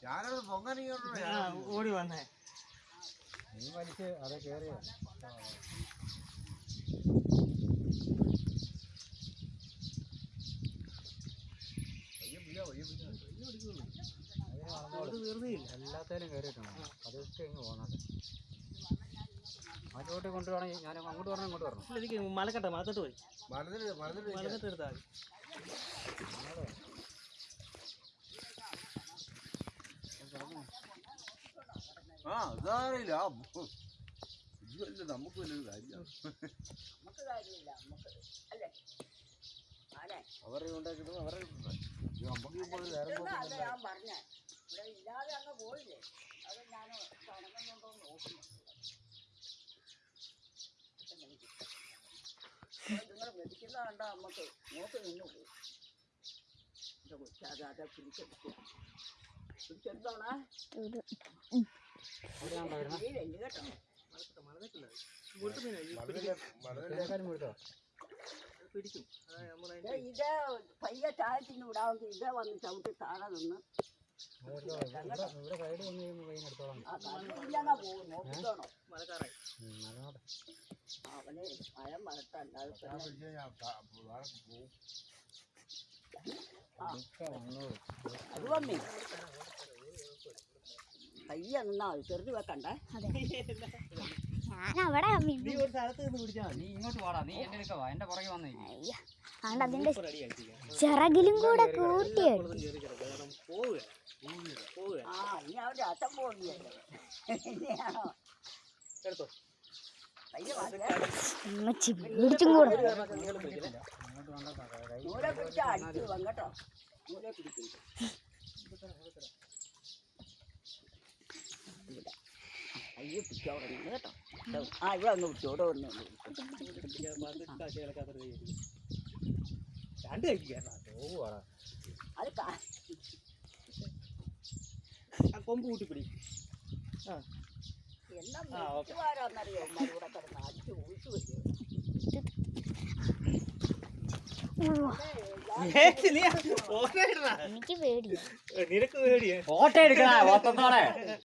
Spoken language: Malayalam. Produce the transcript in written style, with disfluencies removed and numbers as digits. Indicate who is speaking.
Speaker 1: ഞാനത്
Speaker 2: ഓടി വന്നേ.
Speaker 1: നീ വലിച്ച് അത് കേറിയ എല്ലാത്തേലും കയറിയിട്ടാണ് അതൊക്കെ ഇങ്ങ് പോകുന്നത്. അങ്ങോട്ട് കൊണ്ടുപോകണം. ഞാൻ അങ്ങോട്ട് പറഞ്ഞാൽ ഇങ്ങോട്ട് പറഞ്ഞു.
Speaker 2: എനിക്ക് മലക്കട്ടെ മലത്തോട്ട് പോയി മലത്തിട്ട് എടുത്താൽ
Speaker 1: ആ അതറിയില്ല. ഇതല്ല നമുക്ക് വലിയൊരു കാര്യമാണ്. അവരെ ഉണ്ടാക്കിയിട്ട് അവരെ
Speaker 3: നിങ്ങൾ വെടിക്കുന്ന കണ്ടാ നമുക്ക് നോക്കി നിന്നു പോകും. അതെ പിടിച്ചെടുത്തോണേ
Speaker 2: പിടിക്കും.
Speaker 3: ഇത് പയ്യെ താഴ്ത്തിന്ന് വിടാമെങ്കിൽ ഇതേ വന്ന് ചവിട്ടി താഴെ നിന്ന് പോകും. നോക്കിക്കോണോ
Speaker 2: മലക്കാറായി
Speaker 3: അവന് മഴം മറട്ടല്ലാതെ അത് വന്നേ പയ്യ നിന്നാ ചെറുത് വെക്കണ്ടേ.
Speaker 2: നീ ഒരു സ്ഥലത്ത് നിന്ന് പിടിച്ചാ
Speaker 4: നീ ഇങ്ങോട്ട് വാടാ. നീ എന്റെ അടുക്ക വാ. എന്റെ പുറകെ വന്നേ.
Speaker 5: അതിന്റെ ചിറകിലും കൂടെ കൂട്ടി
Speaker 3: ആ ഇനി അവരുടെ അച്ഛൻ പോവുകയല്ലേ.
Speaker 2: എടുത്തോ.
Speaker 3: നൂലെ പിടിച്ചാ അടിച്ചു വങ്ങട്ടോ. നൂലെ പിടിക്കും. അയ്യോ പിടിച്ചോടെ കേട്ടോ. ആ ഇവിടെ ഒന്ന് പിടിച്ചോടെ ഒന്ന്
Speaker 2: രണ്ട് കഴിക്കാ
Speaker 3: അത്
Speaker 2: കൊമ്പ് കൂട്ടിപ്പിടി.
Speaker 3: എന്നാ വീട്ടുകാരാന്നറിയോ ഇവിടെ കിടന്ന് അടിച്ചു ഊച്ചു വരും.
Speaker 5: എനിക്ക് പേടിയാ.
Speaker 2: നിനക്ക് പേടിയാ.
Speaker 4: ഫോട്ടോ എടുക്കണ